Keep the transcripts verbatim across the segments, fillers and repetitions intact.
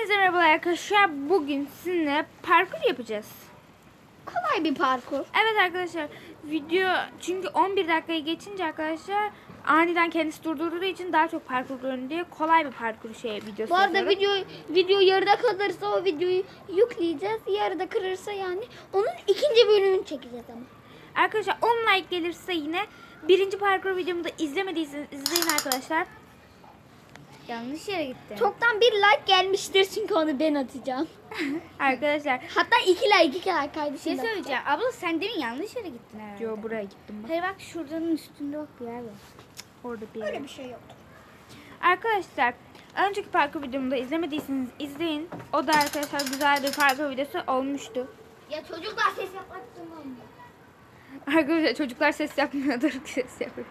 Hepinize merhabalar arkadaşlar. Bugün sizinle parkur yapacağız. Kolay bir parkur. Evet arkadaşlar, video çünkü on bir dakikayı geçince arkadaşlar aniden kendisi durdurduğu için daha çok parkur görün diye kolay bir parkur şey videosu Bu arada yapıyorum. video video yarıda kalırsa o videoyu yükleyeceğiz. Yarıda kırırsa yani onun ikinci bölümünü çekeceğiz ama. Arkadaşlar on like gelirse yine birinci parkur videomu da izlemediyseniz izleyin arkadaşlar. Yanlış yere gitti. Çoktan bir like gelmiştir çünkü onu ben atacağım. Arkadaşlar Hatta iki like iki like Bir şey kardeşim. söyleyeceğim. Abla sen demin yanlış yere gittin herhalde. yo buraya gittim bak. Hayır bak şuradanın üstünde bak bir yer var. Orada bir Öyle yer. bir şey yok. Arkadaşlar önceki parkur videomu da izlemediyseniz izleyin. O da arkadaşlar güzel bir parkur videosu olmuştu. Ya çocuklar ses yapmak istemiyorum. Arkadaşlar çocuklar ses yapmıyordur. Ses yapıyor.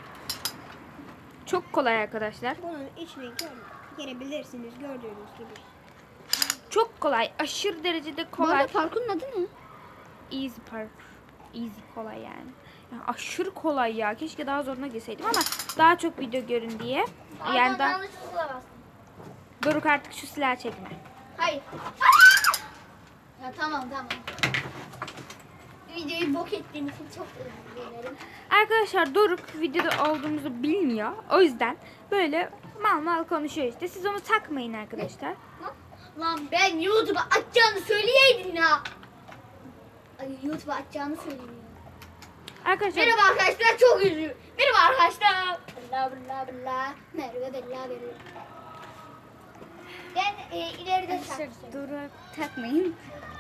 Çok kolay arkadaşlar. Bunun içine girebilirsiniz gördüğünüz gibi. Çok kolay. Aşırı derecede Bu kolay. arada parkurun adı ne? Easy parkur. Easy kolay yani. Yani aşırı kolay ya. Keşke daha zoruna girseydim ama daha çok video görün diye. Yani daha... yanlışlıkla bastım. Doruk artık şu silahı çekme. Hayır. Ya tamam tamam. Videoyu bok ettiğin için çok özür dilerim. Arkadaşlar Doruk videoda olduğumuzu bilmiyor. O yüzden böyle mal mal konuşuyor işte. Siz onu takmayın arkadaşlar. Lan ben YouTube'a atacağını söyleyeydin ya. Ay, YouTube'a atacağını söyleyeyim. Arkadaşlar Merhaba arkadaşlar, çok üzüldüm. Merhaba arkadaşlar. Bla bla bla. Merhaba bla bla. Ben e, ileride çarpacağım. Dur takmayın.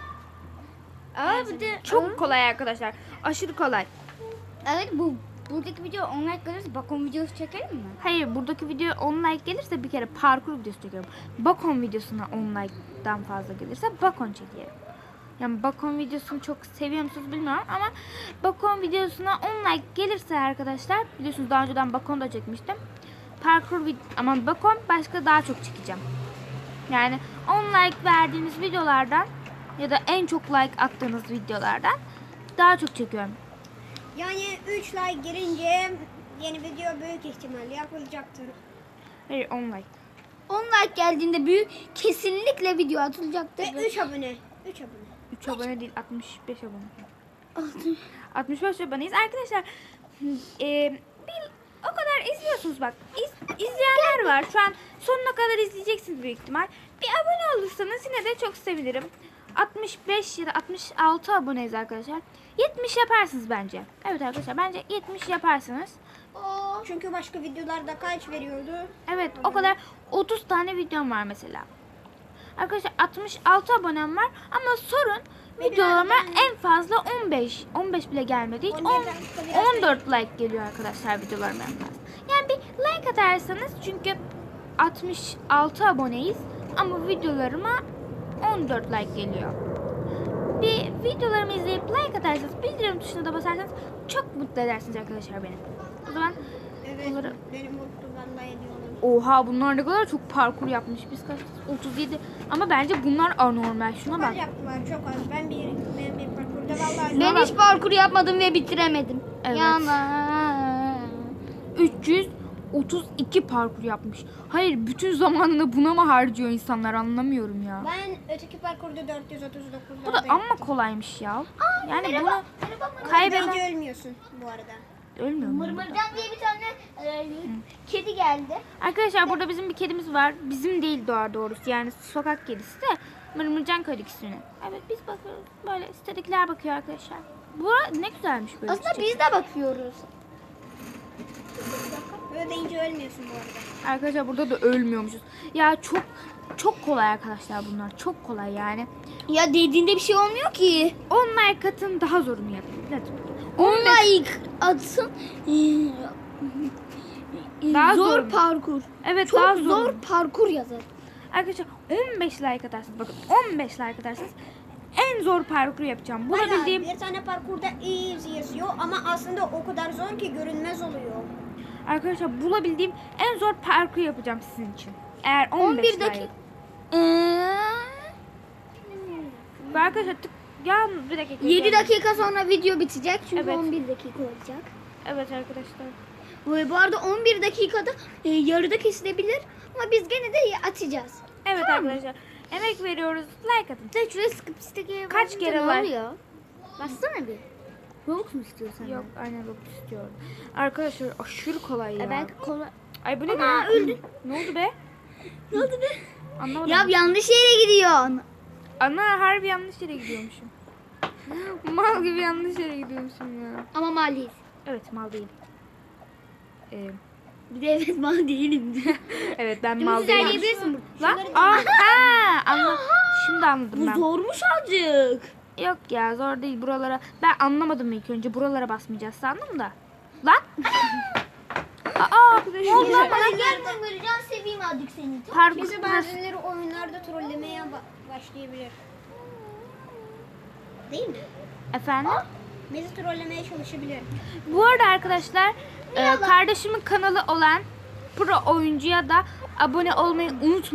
Aa bir de çok kolay arkadaşlar. Aşırı kolay. evet bu buradaki video on like gelirse bakon videosu çekelim mi? Hayır, buradaki video on like gelirse bir kere parkur videosu çekiyorum. Bakon videosuna on like'dan fazla gelirse bakon çekerim. Yani bakon videosunu çok seviyor musunuz bilmiyorum ama bakon videosuna on like gelirse arkadaşlar, biliyorsunuz daha önceden bakon da çekmiştim. Parkur vid ama bakon başka daha çok çekeceğim. Yani on like verdiğimiz videolardan ya da en çok like attığınız videolardan daha çok çekiyorum. Yani üç like girince yeni video büyük ihtimalle yapılacaktır. Hayır, on like. on like geldiğinde büyük kesinlikle video atılacaktır. Ve üç abone. üç abone. üç abone değil, altmış beş abone. altmış beş aboneyiz. Arkadaşlar e, bir, o kadar izliyorsunuz bak. İz, izleyenler var. Şu an sonuna kadar izleyeceksiniz büyük ihtimal. Bir abone olursanız yine de çok sevinirim. altmış beş ya da altmış altı aboneyiz arkadaşlar. yetmiş yaparsınız bence. Evet arkadaşlar, bence yetmiş yaparsınız. Oo. Çünkü başka videolarda kaç veriyordu? Evet, o kadar otuz tane videom var mesela. Arkadaşlar altmış altı abonem var ama sorun videolarıma en fazla on beş on beş bile gelmedi. Hiç on, on dört like geliyor arkadaşlar videolarıma en fazla. Yani bir like atarsanız, çünkü altmış altı aboneyiz ama videolarıma on dört like geliyor. Bir videolarımı izleyip like atarsanız, bildirim tuşuna da basarsanız çok mutlu edersiniz arkadaşlar beni. O zaman Evet. bunları... Benim mutlu vallahi ediyorum. Oha, bunlar ne kadar çok parkur yapmış. Biz kaç? otuz yedi. Ama bence bunlar anormal. Şuna Az bak. yaptılar çok az. Ben bir, ben bir parkurda vallahi... Ben hiç parkur yapmadım ve bitiremedim. Evet. Yalan. üç yüz otuz iki parkur yapmış. Hayır, bütün zamanını buna mı harcıyor insanlar, anlamıyorum ya. Ben öteki parkurda dört yüz otuz dokuz. Bu da amma kolaymış ya. Yani Merhaba. bunu Merhaba. Merhaba. kaybeden Hiç ölmüyorsun bu arada. ölmüyor mu? Mırmırcan diye bir tane e, kedi geldi. Arkadaşlar burada bizim bir kedimiz var. Bizim değil doğa doğrusu. Yani sokak kedisi de Mırmırcan koyduk ismini. Evet, biz bakıyoruz. Böyle sitedekiler bakıyor arkadaşlar. Bu ne güzelmiş böyle. Aslında çiçek. biz de bakıyoruz. Böyle deyince ölmüyorsun bu arada. Arkadaşlar burada da ölmüyormuşuz. Ya çok çok kolay arkadaşlar bunlar. Çok kolay yani. Ya dediğinde bir şey olmuyor ki. on like atın, daha zorunu yapın. Hadi. on like atsın. Daha zor, zor. parkur. Evet, Çok daha zor, zor. parkur yazar. Arkadaşlar on beş like atarsınız. Bakın on beş like atarsanız en zor parkuru yapacağım. Bayağı Bulabildiğim bir tane parkurda easy yazıyor ama aslında o kadar zor ki görünmez oluyor. arkadaşlar bulabildiğim en zor parkuru yapacağım sizin için. Eğer on beş on bir like. dakika. Ee, Ve arkadaşlar tık ya bir dakika. yedi dakika sonra video bitecek çünkü Evet. on bir dakika olacak. Evet arkadaşlar. Ve bu arada on bir dakikada e, yarıda kesilebilir ama biz gene de atacağız. Evet Tamam mı? arkadaşlar. Emek veriyoruz. Like atın. Sen şuraya sıkıp istekeye Kaç basınca kere ne var? oluyor? Bassana bir. Robux mu istiyorsan? Yok aynen Robux istiyorum. Arkadaşlar aşırı kolay ya. E belki kolay. Ay bu ne Aa, be? öldü. Ne oldu be? Ne oldu be? Anlamadım. Ya yanlış yere gidiyorsun. Ana harbi yanlış yere gidiyormuşum. Mal gibi yanlış yere gidiyormuşum ya. Ama maliyiz. Evet mal değilim. Ee, Bir de evet mal değilim. evet ben Dümdüz mal değilim. ilerleyebilirsin burada. Lan aa ha anladım. Şimdi anladım Bu ben. zormuş azıcık. Yok ya zor değil buralara. Ben anlamadım ilk önce buralara basmayacağız sandım da. Lan. Aa ne oldu lan bana? Gel Ömercan seveyim azıcık seni. Parkur. Bizi bazıları oyunlarda trollemeye ba- başlayabilir. Değil mi? Efendim? Bizi trollemeye çalışabilir. Bu arada arkadaşlar e, kardeşimin kanalı olan Pro oyuncuya da abone olmayı unutmayın.